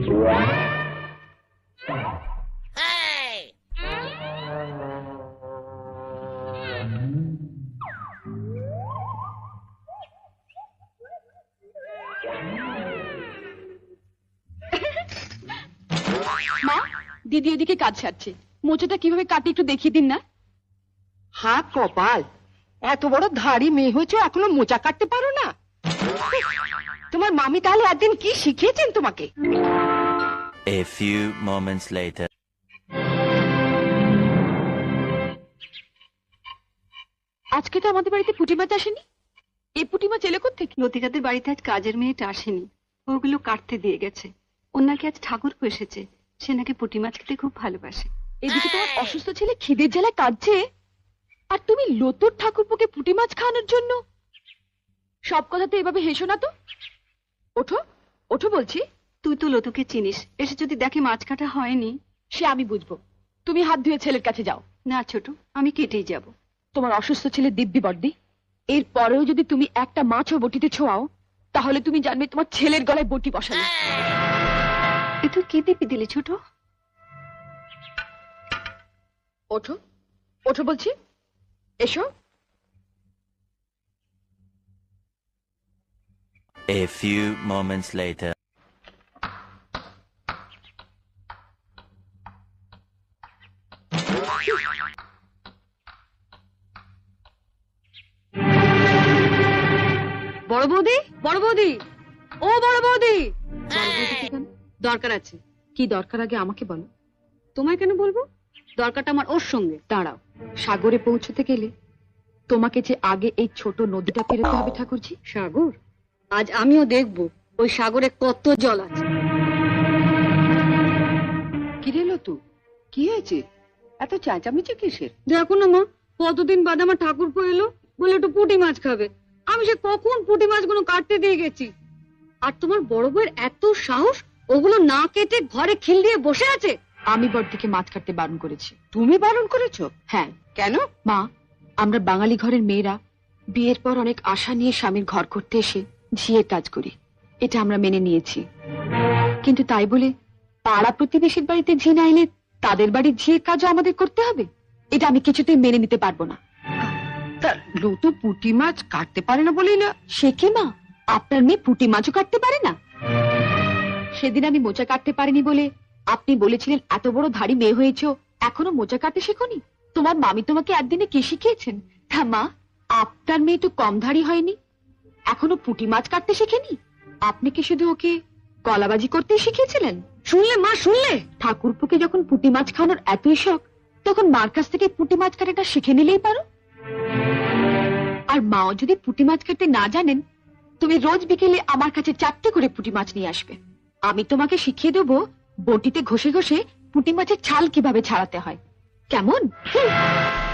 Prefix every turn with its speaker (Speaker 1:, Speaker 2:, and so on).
Speaker 1: মা, দিদি এদিকে কাজ সারছে, মোচাটা কিভাবে কাটি একটু দেখিয়ে দিন না।
Speaker 2: হাত কপাল, এত বড় ধাড়ি মেয়ে হয়েছে এখনো মোচা কাটতে পারো না? তোমার মামি তাহলে একদিন কি শিখিয়েছেন তোমাকে?
Speaker 3: A few moments later.
Speaker 1: আজকে তো আমাদের বাড়িতে পুঁটি মাছ আসেনি। এই পুঁটি মাছ এলে কোত্থেকে?
Speaker 4: লতিকাদের বাড়িতে আজ কাজের মেয়েটা আসেনি, ওগুলো কাটতে দিয়ে গেছে। ওর নাকি আজ ঠাকুর এসেছে, সে নাকি পুঁটি মাছ খেতে খুব ভালোবাসে।
Speaker 1: এদিকে তোমার অসুস্থ ছেলে খিদের জ্বালায় কাঁদছে, আর তুমি লতুর ঠাকুরপোকে পুঁটি মাছ খাওয়ানোর জন্য। সব কথাতে এভাবে হেসো না তো। ওঠো ওঠো বলছি।
Speaker 4: তুই তো লতুকে চিনিস, এসে যদি দেখে মাছ কাটা হয়নি।
Speaker 1: সে আমি বুঝবো, তুমি হাত ধুয়ে ছেলের কাছে যাও।
Speaker 4: না ছোট, আমি কেটেই যাব।
Speaker 1: তোমার অসুস্থ ছেলে দিব্যি বর্দি, এর পরেও যদি তুমি একটা মাছও বটিতে ছোঁয়াও, তাহলে তুমি জানবে তোমার ছেলের গলায় বটি বসানো।
Speaker 4: এ তুই কি দিবি দিলি ছোট?
Speaker 1: ওঠো ওঠো বলছি, এসো।
Speaker 3: A few moments later.
Speaker 4: বড় বৌদি, বড় বৌদি, ও বড় বৌদি। দরকার আছে।
Speaker 1: কি দরকার আগে আমাকে বলো।
Speaker 4: তোমায় কেন বলবো? দরকারটা আমার ওর সঙ্গে।
Speaker 1: দাঁড়াও, সাগরে পৌঁছতে গেলে তোমাকে যে আগে এই ছোট নদীটা পেরোতে হবে ঠাকুরজি।
Speaker 4: সাগর? আজ আমিও দেখবো ওই সাগরে কত জল আছে।
Speaker 2: কি রে লতু, কি হয়েছে? এত চেঁচামেচি কিসের?
Speaker 4: দেখো না মা, কতদিন বাদে আমার ঠাকুরপো এলো, বলে একটু পুঁটি মাছ খাবে। আমি সে কখন পুঁটি মাছগুলো কাটতে দিয়ে গেছি, আর তোমার বড় বউয়ের এত সাহস, ওগুলো না কেটে ঘরে খিল দিয়ে বসে আছে।
Speaker 1: আমি বড়দিকে মাছ কাটতে বারণ করেছি।
Speaker 2: তুমি বারণ করেছো?
Speaker 1: হ্যাঁ।
Speaker 2: কেন?
Speaker 1: মা, আমরা বাঙালি ঘরের মেয়েরা বিয়ের পর অনেক আশা নিয়ে স্বামীর ঘর করতে এসে ঝিয়ের কাজ করি, এটা আমরা মেনে নিয়েছি। কিন্তু তাই বলে পাড়া প্রতিবেশীর বাড়িতে ঝি না এলে তাদের বাড়ির ঝিয়ের কাজও আমাদের করতে হবে? এটা আমি কিছুতেই মেনে নিতে পারবো না।
Speaker 2: তা লতু পুঁটি মাছ কাটতে পারে না বলেই না?
Speaker 1: সে কি মা, আপনার মেয়ে পুঁটি মাছও কাটতে পারে না? সেদিন আমি মোচা কাটতে পারিনি বলে আপনি বলেছিলেন এত বড় ধাড়ি মেয়ে হয়েছো, এখনো মোচা কাটতে শেখোনি? তোমার মামি তোমাকে একদিনে কি শিখিয়েছেন? তা মা, আপনার মেয়ে তো কম ধাড়ি হয়নি, এখনো পুঁটি মাছ কাটতে শেখেনি। আপনি কি শুধু ওকে কলাবাজি করতে শিখিয়েছিলেন?
Speaker 4: শুনলে মা, শুনলে?
Speaker 1: ঠাকুরপুকে যখন পুঁটি মাছ খাওয়ানোর এতই শখ, তখন মার কাছ থেকে পুঁটি মাছ কাটাটা শিখে নিলেই পারো। আর মাও যদি পুঁটি মাছ কাটতে না জানেন, তুমি রোজ বিকেলে আমার কাছে 4টে করে পুঁটি মাছ নিয়ে আসবে। আমি তোমাকে শিখিয়ে দেবো বটিতে ঘষে ঘষে পুঁটি মাছের ছাল কিভাবে ছাড়াতে হয়। কেমন?